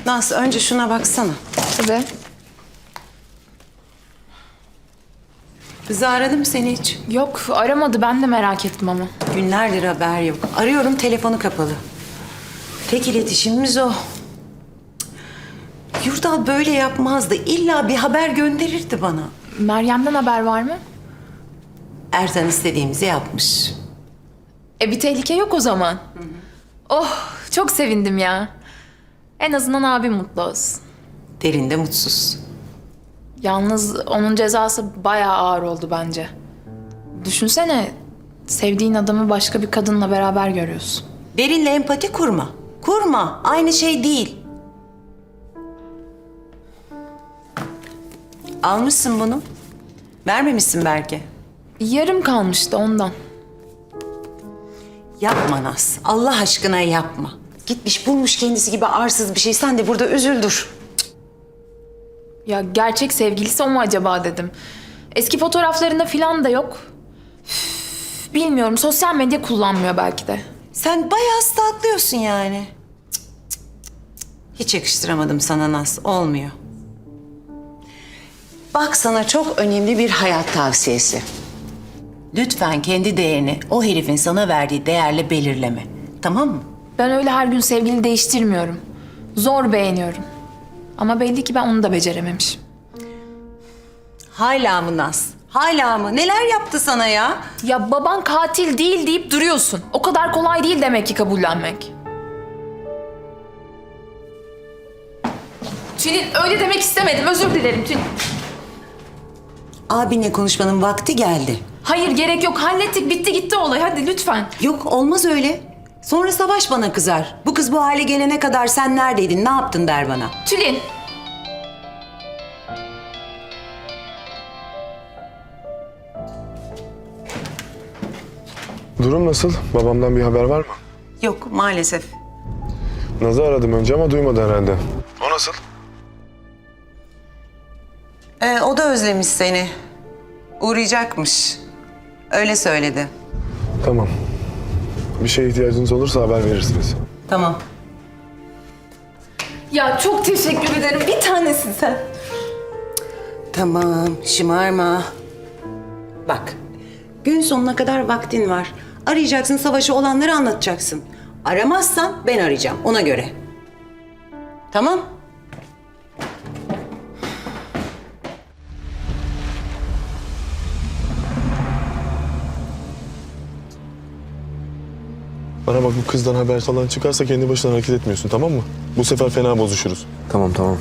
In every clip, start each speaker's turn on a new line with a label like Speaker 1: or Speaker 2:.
Speaker 1: Naz önce şuna baksana.
Speaker 2: Tabii.
Speaker 1: Kızı aradı mı seni hiç?
Speaker 2: Yok aramadı, ben de merak ettim ama.
Speaker 1: Günlerdir haber yok. Arıyorum, telefonu kapalı. Tek iletişimimiz o. Yurdal böyle yapmazdı. İlla bir haber gönderirdi bana.
Speaker 2: Meryem'den haber var mı?
Speaker 1: Ertan istediğimizi yapmış.
Speaker 2: Bir tehlike yok o zaman. Oh, çok sevindim ya. En azından abim mutlu olsun.
Speaker 1: Derin de mutsuz.
Speaker 2: Yalnız onun cezası bayağı ağır oldu bence. Düşünsene, sevdiğin adamı başka bir kadınla beraber görüyorsun.
Speaker 1: Derinle empati kurma. Kurma. Aynı şey değil. Almışsın bunu. Vermemişsin belki.
Speaker 2: Yarım kalmıştı ondan.
Speaker 1: Yapma Naz. Allah aşkına yapma. Gitmiş bulmuş kendisi gibi arsız bir şey. Sen de burada üzüldür.
Speaker 2: Ya gerçek sevgilisi o mu acaba dedim. Eski fotoğraflarında falan da yok. Üf, bilmiyorum, sosyal medya kullanmıyor belki de.
Speaker 1: Sen bayağı stalklıyorsun yani. Cık, cık, cık, cık. Hiç yakıştıramadım sana Naz. Olmuyor. Bak sana çok önemli bir hayat tavsiyesi. Lütfen kendi değerini o herifin sana verdiği değerle belirleme. Tamam mı?
Speaker 2: Ben öyle her gün sevgili değiştirmiyorum. Zor beğeniyorum. Ama belli ki ben onu da becerememişim.
Speaker 1: Hala mı Naz? Hala mı? Neler yaptı sana ya?
Speaker 2: Ya baban katil değil deyip duruyorsun. O kadar kolay değil demek ki kabullenmek. Tülin, öyle demek istemedim. Özür dilerim Tülin.
Speaker 1: Abinle konuşmanın vakti geldi.
Speaker 2: Hayır, gerek yok. Hallettik, bitti gitti olay. Hadi lütfen.
Speaker 1: Yok, olmaz öyle. Sonra Savaş bana kızar. Bu kız bu hale gelene kadar sen neredeydin, ne yaptın der bana.
Speaker 2: Tülin.
Speaker 3: Durum nasıl? Babamdan bir haber var mı?
Speaker 1: Yok, maalesef.
Speaker 3: Naz'ı aradım önce ama duymadı herhalde. O nasıl?
Speaker 1: O da özlemiş seni. Uğrayacakmış. Öyle söyledi.
Speaker 3: Tamam. Bir şeye ihtiyacınız olursa haber verirsiniz.
Speaker 1: Tamam.
Speaker 2: Ya çok teşekkür ederim. Bir tanesin sen.
Speaker 1: Tamam, şımarma. Bak, gün sonuna kadar vaktin var. Arayacaksın, Savaş'a olanları anlatacaksın. Aramazsan ben arayacağım, ona göre. Tamam?
Speaker 3: Bana bak, bu kızdan haber falan çıkarsa kendi başına hareket etmiyorsun, tamam mı? Bu sefer fena bozuşuruz.
Speaker 4: Tamam.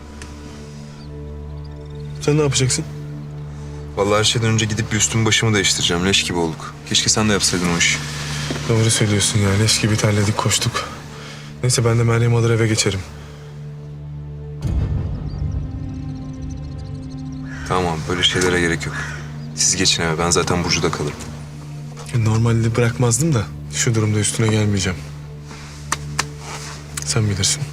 Speaker 3: Sen ne yapacaksın?
Speaker 4: Vallahi her şeyden önce gidip bir üstümü başımı değiştireceğim. Leş gibi olduk. Keşke sen de yapsaydın o işi.
Speaker 3: Doğru söylüyorsun ya. Leş gibi terledik, koştuk. Neyse, ben de Meryem'i alır eve geçerim.
Speaker 4: Tamam, böyle şeylere gerek yok. Siz geçin eve. Ben zaten Burcu'da kalırım.
Speaker 3: Normalde bırakmazdım da şu durumda üstüne gelmeyeceğim. Sen bilirsin.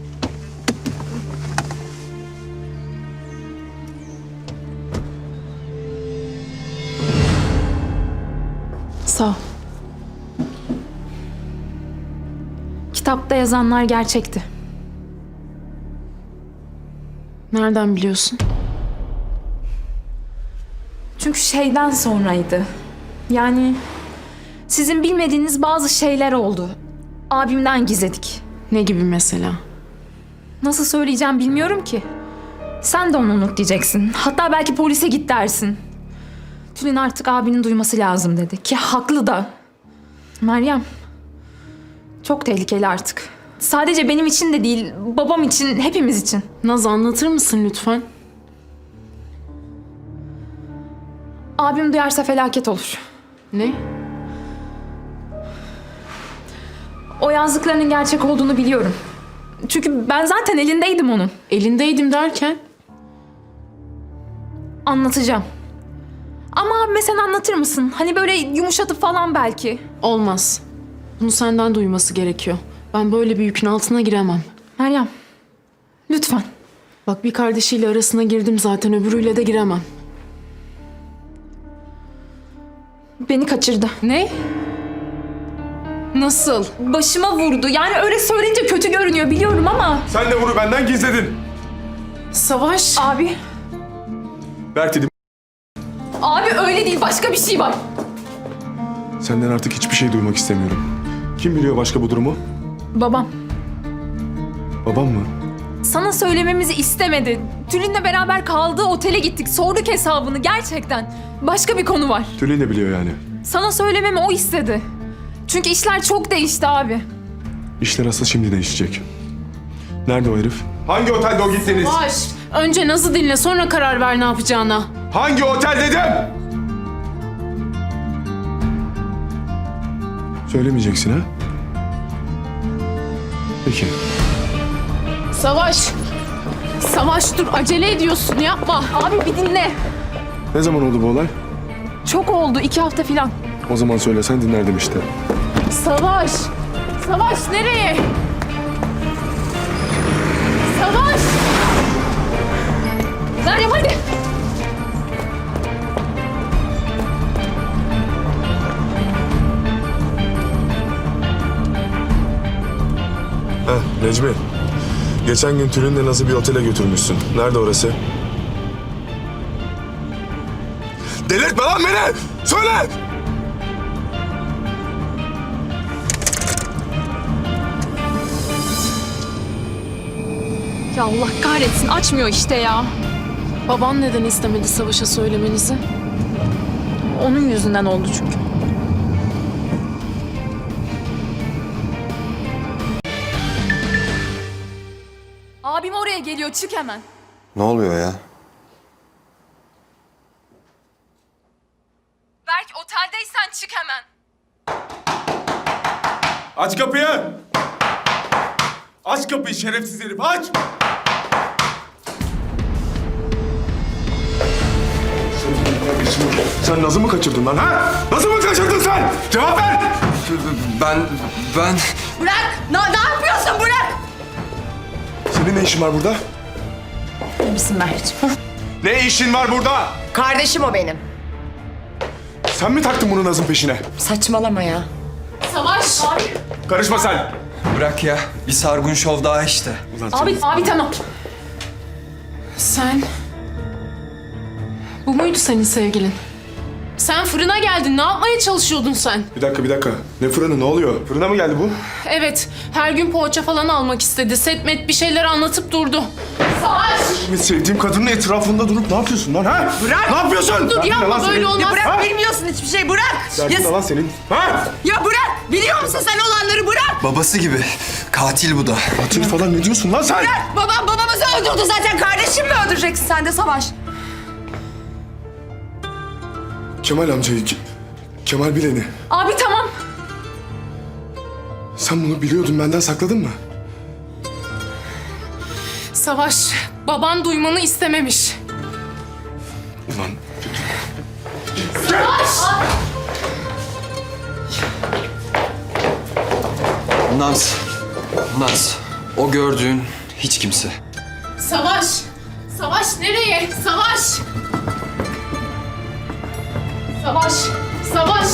Speaker 2: Sağ ol. Kitapta yazanlar gerçekti.
Speaker 5: Nereden biliyorsun?
Speaker 2: Çünkü şeyden sonraydı. Yani sizin bilmediğiniz bazı şeyler oldu. Abimden gizledik.
Speaker 5: Ne gibi mesela?
Speaker 2: Nasıl söyleyeceğim bilmiyorum ki. Sen de onu unut diyeceksin. Hatta belki polise git dersin. Tülin artık abinin duyması lazım dedi. Ki haklı da. Meryem, çok tehlikeli artık. Sadece benim için de değil, babam için, hepimiz için.
Speaker 5: Naz, anlatır mısın lütfen?
Speaker 2: Abim duyarsa felaket olur.
Speaker 5: Ne?
Speaker 2: O yazdıklarının gerçek olduğunu biliyorum. Çünkü ben zaten elindeydim onun.
Speaker 5: Elindeydim derken?
Speaker 2: Anlatacağım. Ama abime sen anlatır mısın? Hani böyle yumuşatıp falan belki.
Speaker 5: Olmaz. Bunu senden duyması gerekiyor. Ben böyle bir yükün altına giremem.
Speaker 2: Meryem, lütfen.
Speaker 5: Bak, bir kardeşiyle arasına girdim zaten, öbürüyle de giremem.
Speaker 2: Beni kaçırdı.
Speaker 5: Ne? Nasıl?
Speaker 2: Başıma vurdu. Yani öyle söyleyince kötü görünüyor biliyorum ama...
Speaker 3: Sen de bunu benden gizledin.
Speaker 5: Savaş.
Speaker 2: Abi,
Speaker 3: Berk dedim.
Speaker 2: abi öyle değil. Başka bir şey var.
Speaker 3: Senden artık hiçbir şey duymak istemiyorum. Kim biliyor başka bu durumu?
Speaker 2: Babam.
Speaker 3: Babam mı?
Speaker 2: Sana söylememizi istemedi. Tülin'le beraber kaldığı otele gittik. Sorduk hesabını gerçekten. Başka bir konu var.
Speaker 3: Tülin de biliyor yani.
Speaker 2: Sana söylememi o istedi. Çünkü işler çok değişti abi.
Speaker 3: İşler asıl şimdi değişecek. Nerede o herif? Hangi otelde o gittiniz?
Speaker 5: Savaş. Önce Naz'ı dinle, sonra karar ver ne yapacağına.
Speaker 3: Hangi otel dedim? Söylemeyeceksin ha? Peki.
Speaker 5: Savaş. Savaş dur, acele ediyorsun, yapma.
Speaker 2: Abi bir dinle.
Speaker 3: Ne zaman oldu bu olay?
Speaker 2: Çok oldu. 2 hafta falan.
Speaker 3: O zaman söylesen dinlerdim işte.
Speaker 5: Savaş. Savaş nereye? Savaş.
Speaker 2: Meryem hadi.
Speaker 3: Heh, Necmi. Geçen gün Tülin'le Naz'ı bir otele götürmüşsün. Nerede orası? Delirtme lan beni! Söyle!
Speaker 2: Ya Allah kahretsin açmıyor işte ya.
Speaker 5: Baban neden istemedi Savaş'a söylemenizi?
Speaker 2: Onun yüzünden oldu çünkü. Abim oraya geliyor çık hemen.
Speaker 4: Ne oluyor ya?
Speaker 2: Berk oteldeysen çık hemen.
Speaker 3: Aç kapıyı! Aç kapıyı şerefsiz herif, aç! Sen Naz'ı mı kaçırdın lan ha? Naz'ı mı kaçırdın sen? Cevap ver!
Speaker 4: Ben...
Speaker 1: Bırak! Ne yapıyorsun? Bırak!
Speaker 3: Senin ne işin var burada?
Speaker 1: İyi misin Mert'ciğim?
Speaker 3: Ne işin var burada?
Speaker 1: Kardeşim o benim.
Speaker 3: Sen mi taktın bunu Naz'ın peşine?
Speaker 1: Saçmalama ya.
Speaker 5: Savaş.
Speaker 3: Karışma sen!
Speaker 4: Bırak ya. Bir sargun şov daha işte.
Speaker 3: Ulan
Speaker 2: Abi tamam.
Speaker 5: Sen... Bu muydu senin sevgilin? Sen fırına geldin. Ne yapmaya çalışıyordun sen?
Speaker 3: Bir dakika. Ne fırını, ne oluyor? Fırına mı geldi bu?
Speaker 5: Evet. Her gün poğaça falan almak istedi. Setmet bir şeyler anlatıp durdu. Savaş!
Speaker 3: Sevdiğim kadının etrafında durup ne yapıyorsun lan ha?
Speaker 1: Bırak!
Speaker 3: Ne yapıyorsun?
Speaker 5: Dur yapma böyle olmaz.
Speaker 1: Bırak, bilmiyorsun hiçbir şey. Bırak!
Speaker 3: Derdin ne lan senin? Ha?
Speaker 1: Ya bırak! Biliyor musun sen olanları? Bırak!
Speaker 4: Babası gibi. Katil bu da.
Speaker 3: Katil falan ne diyorsun lan sen?
Speaker 1: Babam babamızı öldürdü zaten. Kardeşim mi öldüreceksin sen de Savaş?
Speaker 3: Kemal amcayı, Kemal Bilen'i.
Speaker 2: Abi tamam.
Speaker 3: Sen bunu biliyordun, benden sakladın mı?
Speaker 5: Savaş, baban duymanı istememiş.
Speaker 3: Ulan
Speaker 6: Naz. O gördüğün hiç kimse.
Speaker 5: Savaş! Savaş nereye? Savaş! Savaş! Savaş!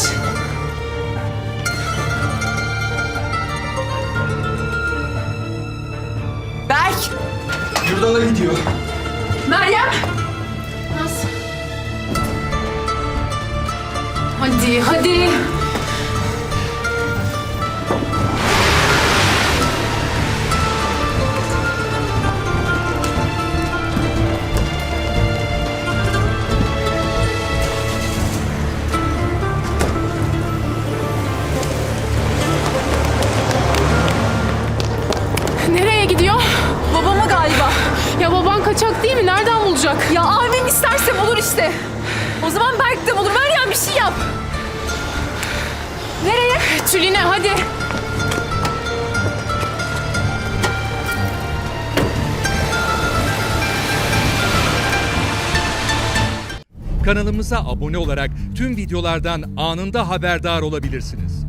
Speaker 1: Berk!
Speaker 6: Yurdala gidiyor.
Speaker 2: Meryem.
Speaker 5: Naz. Hadi. Nereye gidiyor?
Speaker 2: Babama galiba.
Speaker 5: Ya baban kaçak değil mi? Nereden bulacak?
Speaker 2: Ya abim isterse bulur işte. O zaman Berk de bulur. Meryem bir şey yap. Nereye?
Speaker 5: Tülin'e hadi.
Speaker 7: Kanalımıza abone olarak tüm videolardan anında haberdar olabilirsiniz.